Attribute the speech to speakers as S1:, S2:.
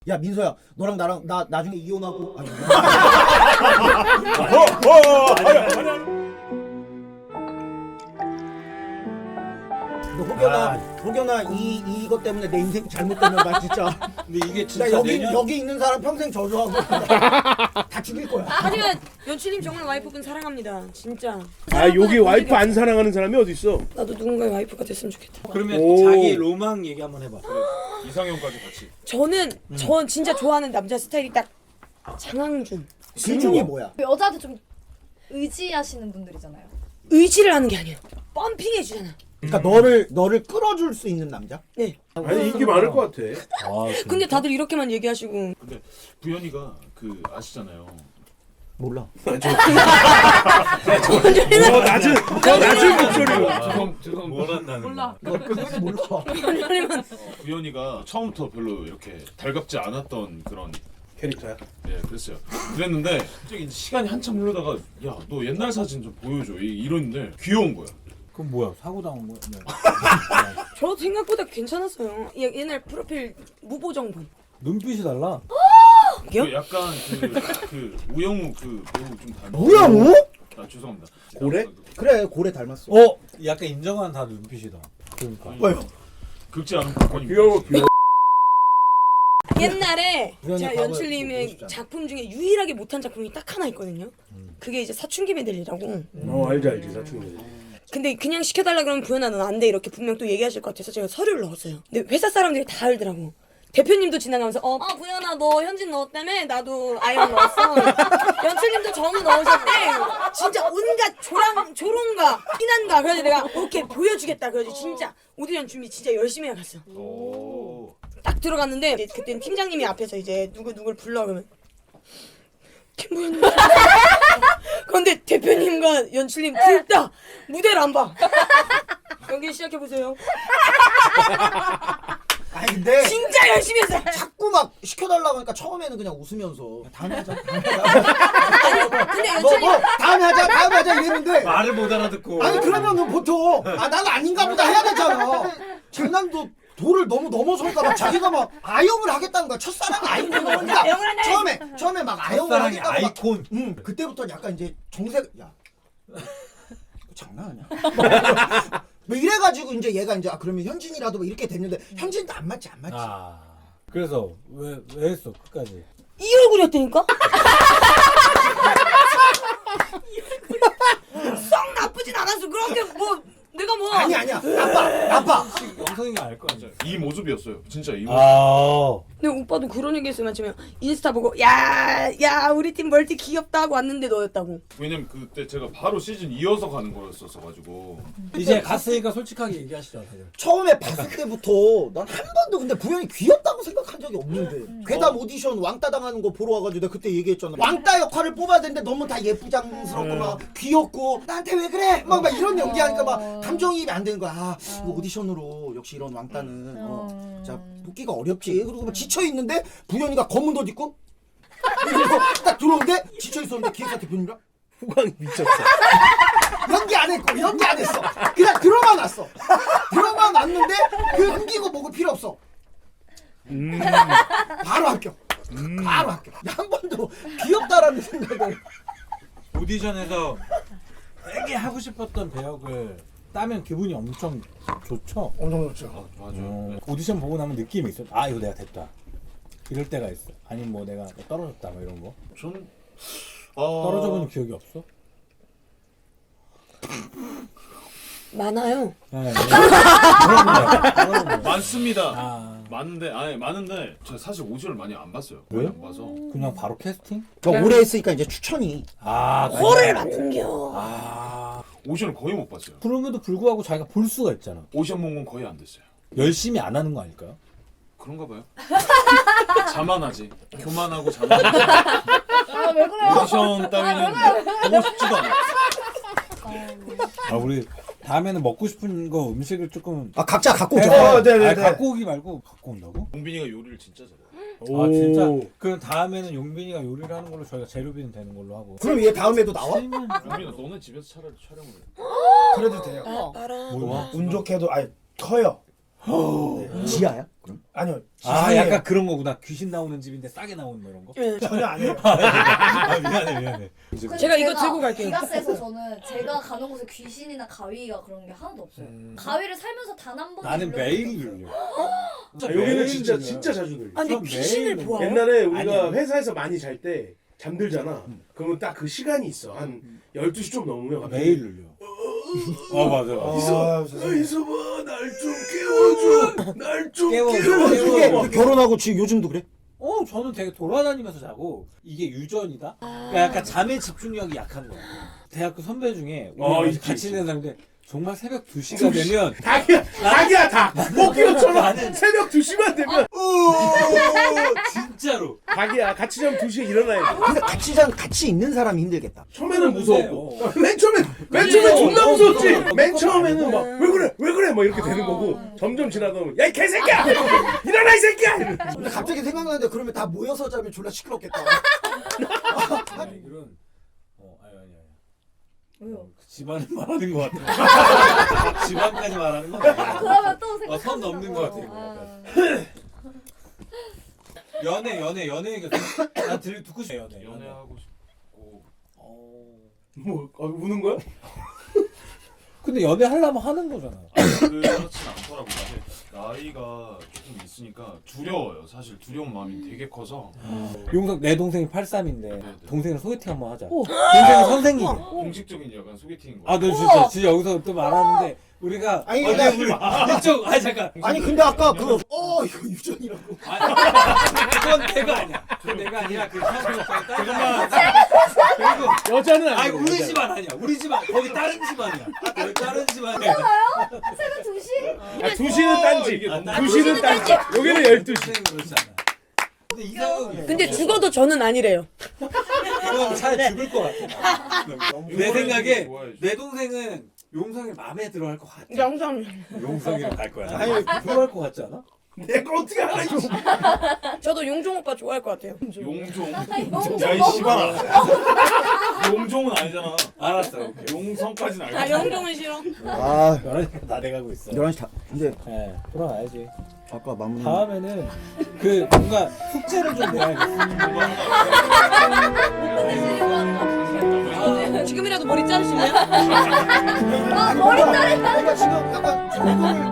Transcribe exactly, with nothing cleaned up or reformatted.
S1: 야 민서야, 너랑 나랑 나 나중에 이혼하고. 아니, 너 혹여나 혹여나 이 이것 때문에 내 인생 잘못되면 나 진짜.
S2: 근데 이게
S1: 나
S2: 진짜
S1: 여기
S2: 내년
S1: 여기 있는 사람 평생 저주하고 다 죽일 거야.
S3: 하지만 연출님 정말 와이프분 사랑합니다. 진짜.
S4: 아 여기 와이프 안 사랑하는 사람이 어디 있어?
S3: 나도 누군가의 와이프가 됐으면 좋겠다.
S2: 그러면
S4: 오.
S2: 자기 로망 얘기 한번 해봐.
S5: 이상형까지 같이.
S3: 저는 전 진짜 좋아하는 남자 스타일이 딱 장항준.
S1: 그 중에 뭐야?
S6: 여자한테 좀 의지하시는 분들이잖아요.
S3: 의지를 하는 게 아니에요. 펌핑해 주잖아.
S1: 그러니까 너를 너를 끌어줄 수 있는 남자?
S3: 네.
S4: 아니 인기 많을 것 같아.
S2: 아,
S3: 근데 다들 이렇게만 얘기하시고.
S5: 근데 부연이가 그 아시잖아요.
S1: 몰라.
S4: 저 낮은 저 낮은 목소리로.
S5: 죄송 죄송
S2: 원한다는
S3: 몰라.
S1: 너 그것도 몰라.
S3: 연출님은
S5: 부연이가 처음부터 별로 이렇게 달갑지 않았던 그런
S4: 캐릭터야.
S5: 예 그랬어요. 그랬는데 갑자기 이제 시간이 한참 흐르다가 야 너 옛날 사진 좀 보여줘 이- 이러는데 귀여운 거야.
S2: 그럼 뭐야? 사고 당한 거야? 네.
S3: 저 생각보다 괜찮았어요. 얘- 옛날 프로필 무보정본.
S2: 눈빛이 달라.
S3: 그게요?
S5: 그 약간 그, 그 우영우 그 배우 좀 닮아.
S1: 우영우?
S5: 아 죄송합니다.
S4: 고래?
S1: 그래 고래 닮았어.
S2: 어? 약간 인정한 다 눈빛이다. 그러니까.
S1: 왜요?
S5: 긁지 않은 복권이.
S4: 귀여워 귀여워.
S3: 옛날에
S1: 우연히
S3: 제가
S1: 과거에 보고
S3: 연출님의
S1: 싶잖아.
S3: 작품 중에 유일하게 못한 작품이 딱 하나 있거든요. 그게 이제 사춘기 메들리라고.
S4: 어 알지 알지 사춘기.
S3: 근데 그냥 시켜달라 그러면 부연아 넌 안 돼 이렇게 분명 또 얘기하실 것 같아서 제가 서류를 넣었어요. 근데 회사 사람들이 다 알더라고. 대표님도 지나가면서 어, 어 부연아 너 현진 넣었다며? 나도 아영 넣었어. 연출님도 정우 넣으셨대. 진짜 온갖 조랑, 조롱가 피난가. 그래서 내가 오케이 보여주겠다. 그래서 진짜 오디션 준비 진짜 열심히 해갔어.
S5: 오.
S3: 딱 들어갔는데 이제 그때는 팀장님이 앞에서 이제 누구 누굴 불러 그러면 김부연님. 그런데 대표님과 연출님 둘 다 무대를 안 봐. 연기 시작해 보세요.
S1: 아니 근데
S3: 진짜 열심히 했어.
S1: 자꾸 막 시켜달라고 하니까 처음에는 그냥 웃으면서 다음에 하자 다음에 하자
S3: 근데
S1: 뭐,
S3: 연출님
S1: 뭐 다음에 하자 다음에 하자 이랬는데
S2: 말을 못 알아듣고.
S1: 아니 그러면은 보통 아 나는 아닌가 보다 해야 되잖아. 장난도 도를 너무 넘어설까 봐 자기가 막 아영을 하겠다는 거야. 첫사랑이 아이콘 그러니까
S3: 아영을 한다.
S1: 처음에 처음에 막 아영을
S2: 첫사랑의
S1: 하겠다고 막
S2: 아이콘.
S1: 응 그때부터 약간 이제 정색 야 이거 장난하냐? 뭐 이래가지고 이제 얘가 이제 아 그러면 현진이라도 뭐 이렇게 됐는데 현진도 안 맞지 안 맞지.
S2: 아. 그래서 왜 왜 했어 끝까지?
S3: 이 얼굴이었다니까? 썩 나쁘진 않았어. 그렇게 뭐 내가 뭐
S1: 아니 아니야 나빠 나빠.
S2: 영성이가 알 거 아니야.
S5: 이 모습이었어요. 진짜 이 모습.
S2: 아.
S3: 근데 오빠도 그런 얘기 했으면 아침에 인스타 보고 야야 우리 팀 멀티 귀엽다 하고 왔는데 너였다고.
S5: 왜냐면 그때 제가 바로 시즌 이어서 가는 거였었어 가지고.
S2: 이제 갔으니까 솔직하게 얘기하시죠. 다들.
S1: 처음에 봤을 때부터 난 한 번도 근데 부연이 귀엽다고 생각한 적이 없는데 괴담 오디션 왕따 당하는 거 보러 와가지고 내가 그때 얘기했잖아. 왕따 역할을 뽑아야 되는데 너무 다 예쁘장스럽고 막 귀엽고 나한테 왜 그래? 막, 막 이런 연기하니까 막 감정이입이 안 되는 거야. 아 이거 오디션으로 역시 이런 왕따는 어, 자 뽑기가 어렵지. 그리고 막 지쳐 있는데 부연이가 검은 옷 입고 그리고 딱 들어오는데 지쳐 있었는데 기획사 대표님이랑
S4: 후광이 미쳤어.
S1: 연기 안 했고 연기 안 했어. 그냥 들어만 왔어. 들어만 왔는데 그 흥기고 뭐고 필요 없어.
S4: 음.
S1: 바로 합격. 바로 합격. 한 번도 귀엽다라는 생각을.
S2: 오디션에서 되게 하고 싶었던 배역을 따면 기분이 엄청 좋죠.
S1: 엄청 좋죠.
S5: 맞아.
S2: 어, 오디션 보고 나면 느낌이 있어. 아 이거 내가 됐다. 이럴 때가 있어. 아니면 뭐 내가 뭐 떨어졌다 뭐 이런 거.
S5: 전 어...
S2: 떨어져 본 기억이 없어?
S3: 많아요.
S2: 네. 그럼요.
S5: 많습니다.
S2: 아
S5: 많은데 아니 많은데 제가 사실 오디션을 많이 안 봤어요.
S2: 왜?
S5: 많이 안 봐서.
S2: 그냥 바로 캐스팅?
S1: 뭐 오래 했으니까 이제 추천이.
S2: 아
S3: 코를 만든겨.
S2: 아
S5: 오디션을 거의 못 봤어요.
S2: 그럼에도 불구하고 자기가 볼 수가 있잖아.
S5: 오디션 본 건 거의 안 됐어요.
S2: 열심히 안 하는 거 아닐까요?
S5: 그런가 봐요. 자만하지. 교만하고 자만하지.
S6: 아, 왜 그래요?
S5: 오디션 따위는 보고 싶지도 않아.
S2: 아 우리 다음에는 먹고 싶은 거 음식을 조금
S1: 아 각자 갖고
S2: 해서-
S1: 오자.
S4: 어, 네네네.
S2: 아니, 갖고 오기 말고 갖고 온다고?
S5: 용빈이가 요리를 진짜 잘해요.
S2: 아 진짜? 그럼 다음에는 용빈이가 요리를 하는 걸로 저희가 재료비는 되는 걸로 하고.
S1: 그럼 얘 다음에도 나와?
S2: 실만
S5: 용빈아 너네 집에서 차라리 촬영을 해.
S1: 그래도 돼요.
S3: 알아.
S2: 뭐야?
S7: 운 좋게도 아니 커요.
S1: 지하야? 그럼?
S7: 아니요.
S2: 아
S7: 지상이에요.
S2: 약간 그런 거구나. 귀신 나오는 집인데 싸게 나오는 뭐 이런 거.
S3: 예.
S7: 전혀 아니에요.
S2: 아 미안해 미안해.
S6: 근데
S3: 제가 이거 들고 갈게요.
S6: 기가스에서 저는 제가 가는 곳에 귀신이나 가위가 그런 게 하나도 없어요.
S7: 음.
S6: 가위를 살면서 단 한 번도
S2: 나는
S6: 눌러본
S2: 매일
S6: 적이 없어요.
S2: 눌려.
S4: 아, 여기는 진짜 진짜 자주 들려.
S3: 아니
S2: 전
S3: 귀신을
S2: 매일
S3: 보아요?
S4: 옛날에 우리가
S2: 아니야.
S4: 회사에서 많이 잘 때 잠들잖아. 그러면 딱 그 시간이 있어. 한 열두 시 좀 넘으면 갑자기
S2: 매일 눌려. 어 맞아 맞아.
S4: 이서, 이서봐, 날 좀 깨워줘, 날 좀
S2: 깨워줘,
S4: 깨워줘.
S2: 깨워줘.
S1: 그게 결혼하고 지금 요즘도 그래?
S2: 어 저는 되게 돌아다니면서 자고 이게 유전이다. 그러니까 약간 잠에 집중력이 약한 거야. 대학교 선배 중에 우리
S4: 어,
S2: 같이
S4: 있지,
S2: 같이
S4: 있지.
S2: 있는 사람인데 정말 새벽 두 시가 되면
S4: 닭이야, 닭이야, 닭. 목기호처럼 새벽 두 시만 되면
S2: 진짜로
S4: 닭이야. 같이 자면 두 시에 일어나야 돼.
S1: 근데 같이 자 같이 있는 사람이 힘들겠다.
S4: 처음에는 무서웠고,
S2: 어.
S4: 맨 처음엔 맨 처음엔 존나 무서웠지. 맨 처음에는 막 왜 그래, 왜 그래, 막 이렇게 되는 거고 점점 지나다 보면 야 이 개새끼야, 일어나 이 새끼야. 이러면서.
S1: 근데 갑자기 생각나는데 그러면 다 모여서 자면 졸라 시끄럽겠다.
S2: 아니 이런 어 아니 아니 아니.
S6: 왜요?
S2: 어, 그 집안을 말하는 것 같아. 집안까지 말하는 거 같아.
S6: 그러면 또 생각.
S2: 어, 선 넘는 것 같아, 이거 약간. 연애 연애 연애 얘기 나 들 듣고 싶어 연애
S5: 연애하고 싶고
S2: 어.
S4: 뭐 어, 우는 거야?
S2: 근데 연애 하려면 하는 거잖아.
S5: 그렇진 않더라고. 사실 나이가 조금 있으니까 두려워요. 사실 두려운 마음이 되게 커서
S2: 용석 내 동생이 팔십삼인데
S5: 네.
S2: 동생이랑 소개팅 한번 하자. 동생이 선생님.
S5: 공식적인 약간 소개팅인 거예요.
S2: 아 너 진짜 진짜 여기서 또 말하는데 우리가
S1: 아니,
S2: 어,
S1: 근데-
S2: 우리 이쪽 아니 잠깐.
S1: 아니 근데 아까 그 어 이거 유전이라고.
S2: 아니, 그건 내가 아니야. 그건 내가 아니라 그 사람이 잠깐만. 그리고
S4: 여자는
S2: 아니
S4: 아니고.
S2: 우리
S4: 여자는.
S2: 집안 아니야. 우리 집안 거기 다른 집안이야. 거기 다른 집안이야.
S6: 새벽 두 시?
S4: 아, 두 시는 딴지.
S5: 이게 너무
S4: 두 시는 딴지. 여기는 열두 시.
S2: 동생은 그렇지 않아. 근데 이상은
S3: 근데 죽어도 저는 아니래요.
S2: 그럼 차라리 죽을 것 같아. 내 생각에
S5: 좋아해줘.
S2: 내 동생은 용성이 마음에 들어 할 것 같아.
S3: 영상.
S2: 용성이랑 갈 거야.
S1: 아니,
S2: 아니 들어갈 것 같지 않아?
S4: 내가 어떻게 알아 이거.
S3: 저도 용종 오빠 좋아할 것 같아요.
S5: 용종.
S6: 용종.
S5: 야이 씨발아. 용종은 아니잖아.
S2: 알았어. 오케이.
S5: 용성까지는 알고.
S3: 아 영종은 싫어.
S1: 아
S2: 열한 시 다 돼가고 있어.
S1: 열한 시 다. 근데
S2: 예, 돌아가야지.
S1: 아까 마무리.
S2: 다음에는 그 뭔가 숙제를 좀 내야겠어.
S3: 지금이라도 머리 자르실래요?
S6: 아 머리 자른다.
S1: 그러니까 지금 약간 조금을